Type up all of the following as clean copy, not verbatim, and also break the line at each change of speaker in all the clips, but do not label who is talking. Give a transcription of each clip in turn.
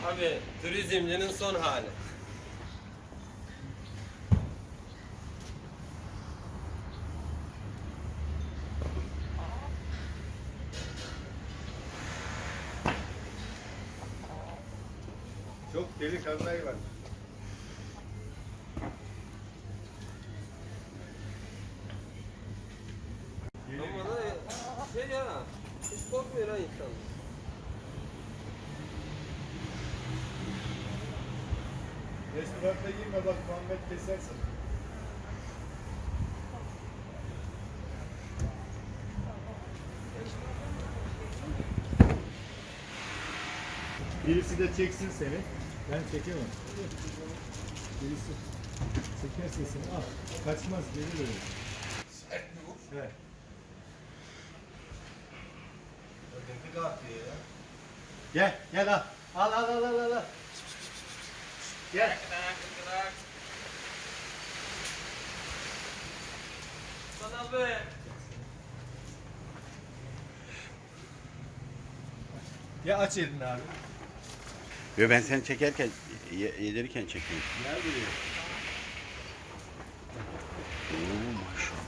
Abi turizmcinin son hali.
Çok delikanlı hayvan.
Ama da şey ya, hiç korkmuyor ha insan.
Restoranda girme bak Muhammed kesersin. Birisi de çeksin seni. Ben çekemem. Birisi çekerse seni al. Kaçmaz geri dönüyor.
Sert mi bu?
Evet.
Öteki de atıyor ya.
Gel gel al. Al. Gel.
Sana be.
Ya aç elini abi.
Yo, ben seni çekerken, yedirirken çekiyorum.
Gel buraya.
Oo, maşallah.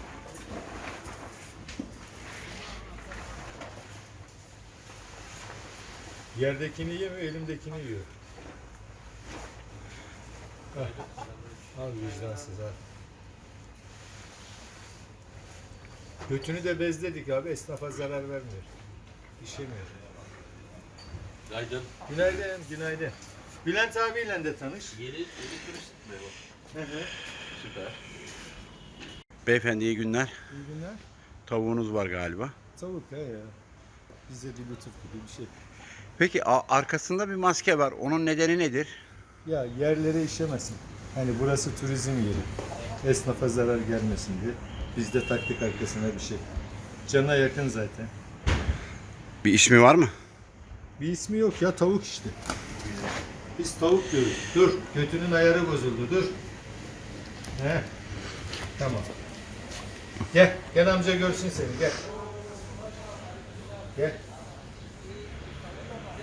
Yerdekini yemiyor, elimdekini yiyor. Hah. Al vicdansız ha. Götünü de bezledik abi, esnafa zarar vermiyor. İşemiyor.
Günaydın.
Günaydın. Bülent abiyle de tanış.
Yeni turist mi bu?
Hı hı.
Süper.
Beyefendi iyi günler.
İyi günler.
Tavuğunuz var galiba.
Tavuk ya. Bize bir lütuf gibi bir şey.
Peki arkasında bir maske var. Onun nedeni nedir?
Ya yerlere işemesin. Hani burası turizm yeri. Esnafa zarar gelmesin diye. Biz de taktık arkasına bir şey. Cana yakın zaten.
Bir ismi var mı?
Bir ismi yok ya, tavuk işte. Biz tavuk diyoruz. Dur, götünün ayarı bozuldu, dur. He. Tamam. Gel amca görsün seni, gel. Gel.